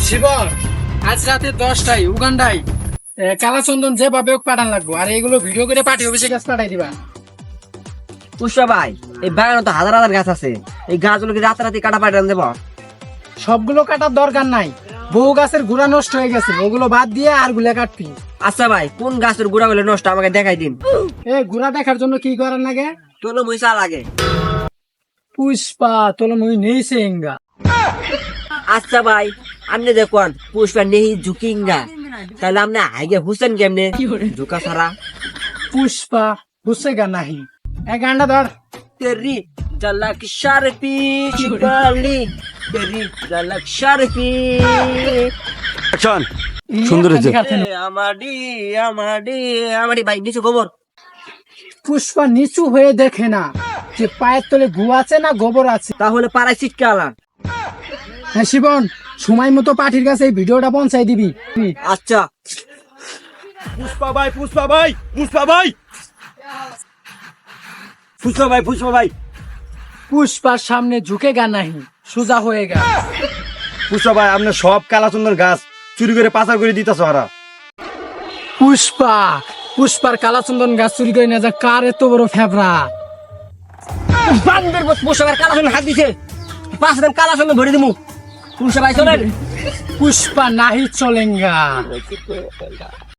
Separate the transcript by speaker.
Speaker 1: শিবন, আজ রাতে 10টায় উগান্ডায় কালাচন্দন যেভাবে হোক পাঠান লাগবো, আর এগুলো ভিডিও করে পার্টি অফিসে কাছে পাঠাই দিবা।
Speaker 2: পুষ্পা ভাই, এই বাগানে তো হাজার হাজার গাছ আছে, এই গাছগুলো কি রাতারাতি কাটা পাঠান দেব?
Speaker 1: সবগুলো কাটার দরকার নাই, বহু গাছের গুড়া নষ্ট হয়ে গেছে, ওগুলো বাদ দিয়ে আর গুলা কাটবি।
Speaker 2: আচ্ছা ভাই, কোন গাছের গুড়া গুলো নষ্ট আমাকে দেখাই দিন।
Speaker 1: গুড়া দেখার জন্য কি করার লাগে?
Speaker 2: তোলো মহিষা লাগে।
Speaker 1: পুষ্পা তোর মুই নেই সেঙ্গা।
Speaker 2: আচ্ছা ভাই, আপনি দেখুন পুষ্পা নেই ঝুকিঙ্গা, তাহলে আপনি আগে হুসেন কেমনে ঝুকা ছাড়া?
Speaker 1: পুষ্পা হুসেগা নাহি। গানটা ধর।
Speaker 2: তেরি ঝলক শারপি শিবালি, তেরি ঝলক শারপি।
Speaker 3: অ্যাকশন সুন্দর হয়েছে।
Speaker 2: আমাডি আমাডি আমাডি ভাই নিচু খবর।
Speaker 1: পুষ্পা নিচু হয়ে দেখে না যে পায়ের তলে গু আছে না গোবর আছে।
Speaker 2: তাহলে পাড়ায় চিটকে আলান।
Speaker 1: হ্যাঁ শিবন, সময় মতো পাঠির কাছে এই ভিডিওটা পৌঁছাই দিবি।
Speaker 2: আচ্ছা।
Speaker 3: পুষ্পা ভাই, পুষ্পা ভাই, পুষ্পা ভাই, পুষ্পা ভাই, পুষ্পা ভাই,
Speaker 1: পুষ্পার সামনে ঝুঁকে গা নাহি, সোজা হয়ে গা।
Speaker 3: পুষ্পা ভাই, আপনি সব কালাচন্দন গাছ চুরি করে পাচার করে দিতেছ ওরা।
Speaker 1: পুষ্পার কালাচন্দন গাছ চুরি করে না যা কার এত বড় ফেবরা।
Speaker 2: বান্দের পুষ্পার কালাচন্দন হাত দিছে, 5 দিন কালাচন্দন ভরে দিমু। পুষ্পা ভাই চলেন।
Speaker 1: পুষ্পা নাহি চলেঙ্গা।